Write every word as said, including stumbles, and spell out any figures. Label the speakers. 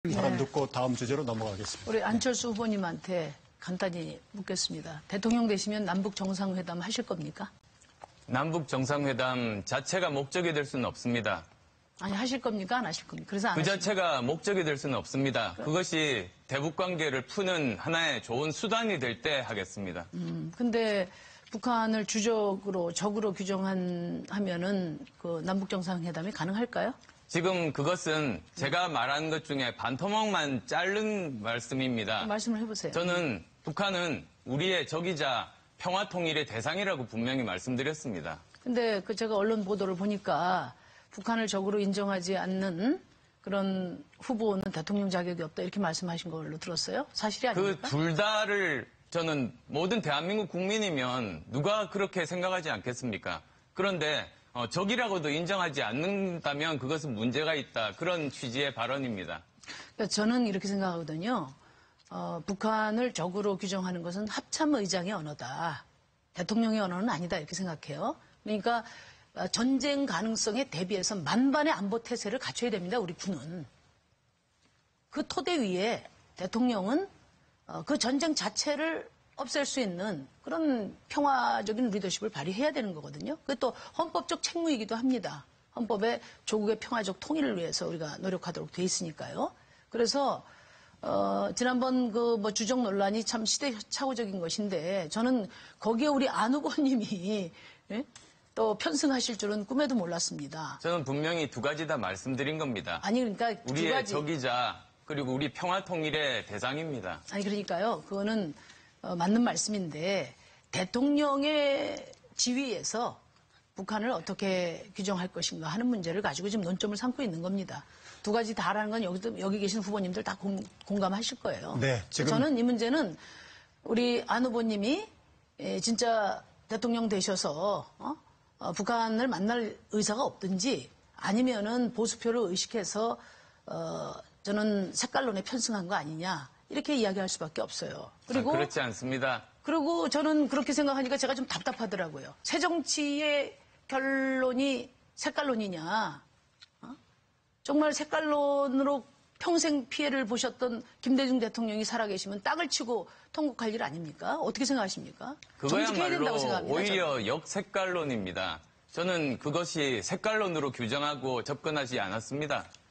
Speaker 1: 사람
Speaker 2: 네.
Speaker 1: 듣고 다음 주제로 넘어가겠습니다.
Speaker 2: 우리 안철수 후보님한테 간단히 묻겠습니다. 대통령 되시면 남북 정상회담 하실 겁니까?
Speaker 3: 남북 정상회담 자체가 목적이 될 수는 없습니다.
Speaker 2: 아니 하실 겁니까? 안 하실 겁니까? 그래서 안
Speaker 3: 그
Speaker 2: 하실
Speaker 3: 자체가 목적이 될 수는 없습니다. 그것이 대북 관계를 푸는 하나의 좋은 수단이 될 때 하겠습니다.
Speaker 2: 음, 근데 북한을 주적으로 적으로 규정한 하면은 그 남북 정상회담이 가능할까요?
Speaker 3: 지금 그것은 제가 말한 것 중에 반토막만 자른 말씀입니다.
Speaker 2: 말씀을 해보세요.
Speaker 3: 저는 북한은 우리의 적이자 평화 통일의 대상이라고 분명히 말씀드렸습니다.
Speaker 2: 근데 그 제가 언론 보도를 보니까 북한을 적으로 인정하지 않는 그런 후보는 대통령 자격이 없다 이렇게 말씀하신 걸로 들었어요. 사실이
Speaker 3: 그
Speaker 2: 아닙니까?
Speaker 3: 둘 다를 저는 모든 대한민국 국민이면 누가 그렇게 생각하지 않겠습니까? 그런데 어, 적이라고도 인정하지 않는다면 그것은 문제가 있다. 그런 취지의 발언입니다.
Speaker 2: 그러니까 저는 이렇게 생각하거든요. 어, 북한을 적으로 규정하는 것은 합참의장의 언어다. 대통령의 언어는 아니다 이렇게 생각해요. 그러니까 전쟁 가능성에 대비해서 만반의 안보 태세를 갖춰야 됩니다. 우리 군은. 그 토대 위에 대통령은 어, 그 전쟁 자체를 없앨 수 있는 그런 평화적인 리더십을 발휘해야 되는 거거든요. 그게 또 헌법적 책무이기도 합니다. 헌법에 조국의 평화적 통일을 위해서 우리가 노력하도록 돼 있으니까요. 그래서 어, 지난번 그 뭐 주적 논란이 참 시대착오적인 것인데 저는 거기에 우리 안 후보님이 예? 또 편승하실 줄은 꿈에도 몰랐습니다.
Speaker 3: 저는 분명히 두 가지 다 말씀드린 겁니다.
Speaker 2: 아니 그러니까 두
Speaker 3: 우리의
Speaker 2: 가지.
Speaker 3: 적이자 그리고 우리 평화 통일의 대상입니다.
Speaker 2: 아니 그러니까요. 그거는 어, 맞는 말씀인데 대통령의 지위에서 북한을 어떻게 규정할 것인가 하는 문제를 가지고 지금 논점을 삼고 있는 겁니다. 두 가지 다라는 건 여기, 여기 계신 후보님들 다 공, 공감하실 거예요.
Speaker 1: 네, 지금
Speaker 2: 저는 이 문제는 우리 안 후보님이 예, 진짜 대통령 되셔서 어? 어, 북한을 만날 의사가 없든지 아니면은 보수표를 의식해서 어, 저는 색깔론에 편승한 거 아니냐 이렇게 이야기할 수밖에 없어요. 그리고
Speaker 3: 아, 그렇지 않습니다.
Speaker 2: 그리고 저는 그렇게 생각하니까 제가 좀 답답하더라고요. 새정치의 결론이 색깔론이냐? 어? 정말 색깔론으로 평생 피해를 보셨던 김대중 대통령이 살아계시면 땅을 치고 통곡할 일 아닙니까? 어떻게 생각하십니까? 정직해야 된다고
Speaker 3: 그거야말로
Speaker 2: 생각합니다.
Speaker 3: 오히려
Speaker 2: 저는.
Speaker 3: 역색깔론입니다. 저는 그것이 색깔론으로 규정하고 접근하지 않았습니다.